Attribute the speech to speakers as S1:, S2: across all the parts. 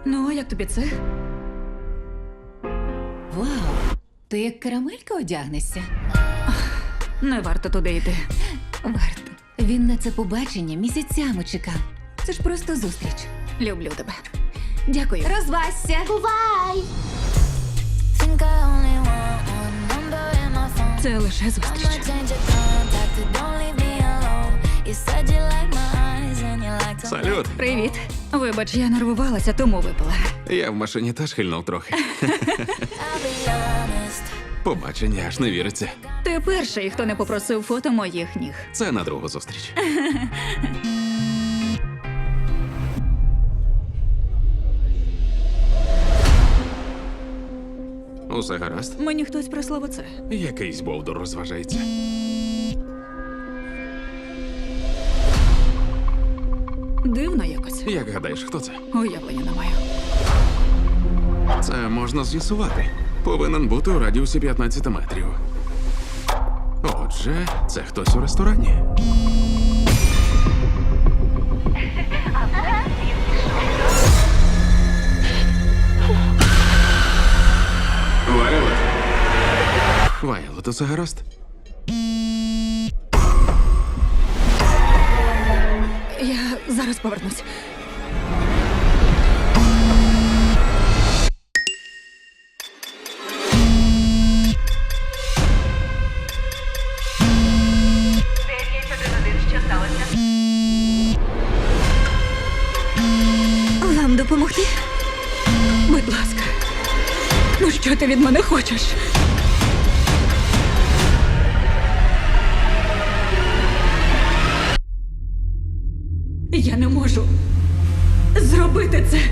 S1: Ну, а як тобі це?
S2: Вау, ти як карамелька одягнешся?
S1: Не варто туди йти.
S2: Варто. Він на це побачення місяцями чекав. Це ж просто зустріч.
S1: Люблю тебе. Дякую.
S2: Розвасся!
S3: Бувай! Think I only want one number in my phone.
S1: Це лише зустріч.
S3: I'ma change your contact, but don't leave me alone. You said you like my eyes and you like to...
S4: Салют!
S1: Привіт. Вибач, я нервувалася, тому випила.
S4: Я в машині теж хильнув трохи.
S3: I'll be honest.
S4: Побачення аж не віриться.
S1: Ти перший, хто не попросив фото моїх ніг.
S4: Це на другу зустріч. Усе гаразд?
S1: Мені хтось прислав оце.
S4: Якийсь бовдур розважається.
S1: Дивно якось.
S4: Як гадаєш, хто це?
S1: Уявлення не маю.
S4: Це можна з'ясувати. Повинен бути у радіусі 15 метрів. Отже, це хтось у ресторані. Вайлот. Вайлот, усе гаразд?
S1: Я зараз повернусь. Вам допомогти? Будь ласка. Ну що ти від мене хочеш? Я не можу зробити це.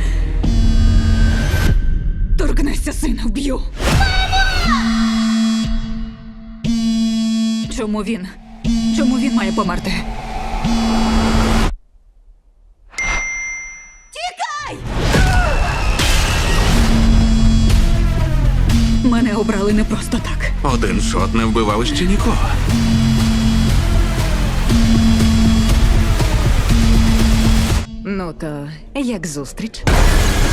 S1: Торкнешся сина, вб'ю. Чому він? Чому він має померти? Тікай! Мене обрали не просто так.
S4: Один шот не вбивав ще нікого.
S2: Ну то як зустріч?